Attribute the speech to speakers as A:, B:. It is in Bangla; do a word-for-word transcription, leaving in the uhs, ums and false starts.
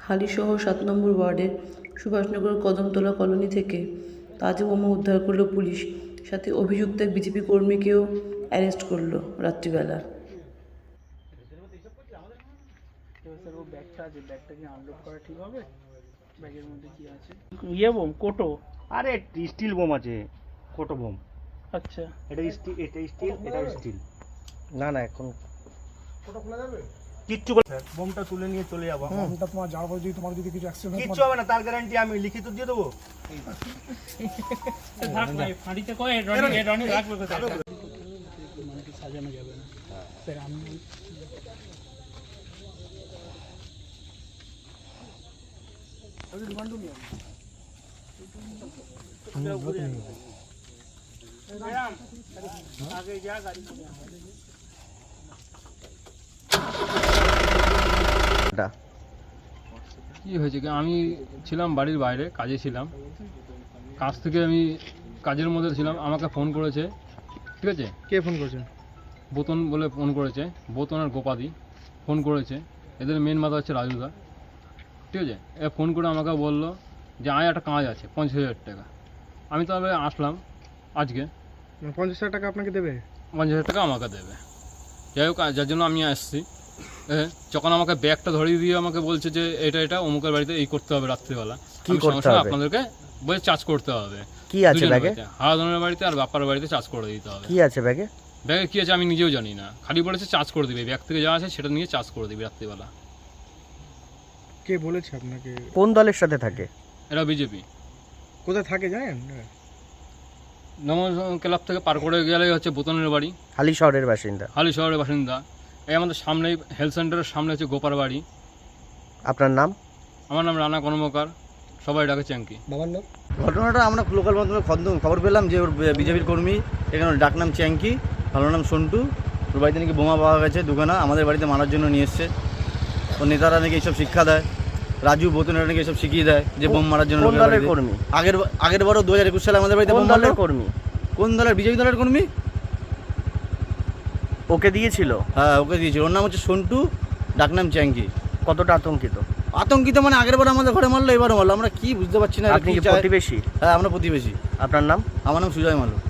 A: হালিশহর সাত নম্বর ওয়ার্ডের সুভাষনগর কদমতলা কলোনি থেকে তাজা বোমা উদ্ধার করল পুলিশ। সাথে অভিযুক্ত এক বিজেপি কর্মীকেও অ্যারেস্ট করলো রাত্রিবেলা।
B: ইয়ে বোম কোটো,
C: আরে স্টিল বোম আছে, কোটো বোম।
B: আচ্ছা
C: এটা স্টিল, এটা স্টিল, এটা স্টিল।
D: না না এখন
C: কোটো খোলা যাবে? কিচ্ছু করে বোমটা তুলে নিয়ে চলে যাবো।
E: বোমটা তোমার যাওয়ার পর যদি তোমার যদি কিছু অ্যাক্সিডেন্ট হয়
C: কিচ্ছু হবে না, তার গ্যারান্টি আমি লিখিত দিয়ে দেবো।
B: থাক ভাই, ফাঁড়িতে কয় রনি রনি রাখবে কোথায়? মানে কি সাজানো যাবে না স্যার? আমি আগে যা গাড়ি
F: কী হয়েছে কি, আমি ছিলাম বাড়ির বাইরে, কাজে ছিলাম। কাজ থেকে আমি কাজের মধ্যে ছিলাম, আমাকে ফোন করেছে। ঠিক আছে,
D: কে ফোন করছে?
F: বোতন বলে ফোন করেছে, বোতন আর গোপাদি ফোন করেছে। এদের মেন মাথা হচ্ছে রাজুদা। ঠিক আছে, এ ফোন করে আমাকে বললো যে আয় একটা কাজ আছে পঞ্চাশ হাজার টাকা। আমি তবে আসলাম আজকে।
D: পঞ্চাশ হাজার টাকা আপনাকে দেবে?
F: পঞ্চাশ হাজার টাকা আমাকে দেবে। যাই হোক, যার জন্য আমি আসছি। যখন আমাকে ব্যাগটা ধরিয়ে দিয়ে আমাকে বলছে যে এটা এটা অমুকের বাড়িতে এই করতে হবে রাত্রিবেলা,
D: কি করতে হবে
F: আপনাদেরকে বলে চার্জ করতে হবে।
D: কি আছে ব্যাগে?
F: হারাধনের বাড়িতে আর বাপ্পার বাড়িতে চার্জ করে দিতে হবে।
D: কি আছে ব্যাগে?
F: ব্যাগে কি আছে আমি নিজেও জানি না, খালি বলেছে চার্জ করে দিবে। ব্যাগ থেকে যা আছে সেটা নিয়ে চার্জ করে দিবি রাত্রিবেলা।
E: কে বলেছে আপনাকে?
D: কোন দলের সাথে থাকে
F: এরা? বিজেপি।
E: কোথায় থাকে জানেন?
F: নমন ক্লাব থেকে পার করে গেলেই হচ্ছে বোতনের বাড়ি।
D: হালি শহরের বাসিন্দা?
F: হালি শহরের বাসিন্দা। এই আমাদের সামনেই হেলথ সেন্টারের সামনে হচ্ছে গোপার বাড়ি।
D: আপনার নাম?
F: আমার নাম রানা কর্মকার, সবাই ডাকে চ্যাঙ্কি।
E: বাবার নাম?
G: ঘটনাটা আমরা লোকাল মাধ্যমে খবর পেলাম যে ওর বিজেপির কর্মী, এখানে ডাকনাম চ্যাঙ্কি, ভালো নাম সন্টু। ওর বাড়িতে নাকি বোমা পাওয়া গেছে দুখানা, আমাদের বাড়িতে মারার জন্য নিয়ে এসছে। ওর নেতারা নাকি এইসব শিক্ষা দেয়, রাজু বোতনেরা নাকি এসব শিখিয়ে দেয় যে বোম মারার জন্য।
D: কোন দলের কর্মী?
G: আগের আগের বারও দু হাজার একুশ সালে আমাদের বাড়িতে
D: কোন
G: বোম
D: দলের
G: মারলো।
D: কর্মী?
G: কোন দলের? বিজেপি দলের কর্মী।
D: ওকে দিয়েছিল?
G: হ্যাঁ ওকে দিয়েছিল। ওর নাম হচ্ছে সন্টু, ডাকনাম চ্যাঙ্কি।
D: কতটা আতঙ্কিত?
G: আতঙ্কিত মানে আগের বার আমাদের ঘরে মারলো, এবারও মারলো। আমরা কি বুঝতে পারছি না।
D: আপনি কি প্রতিবেশী?
G: হ্যাঁ আমরা প্রতিবেশী।
D: আপনার নাম?
G: আমার নাম সুজয় মালু।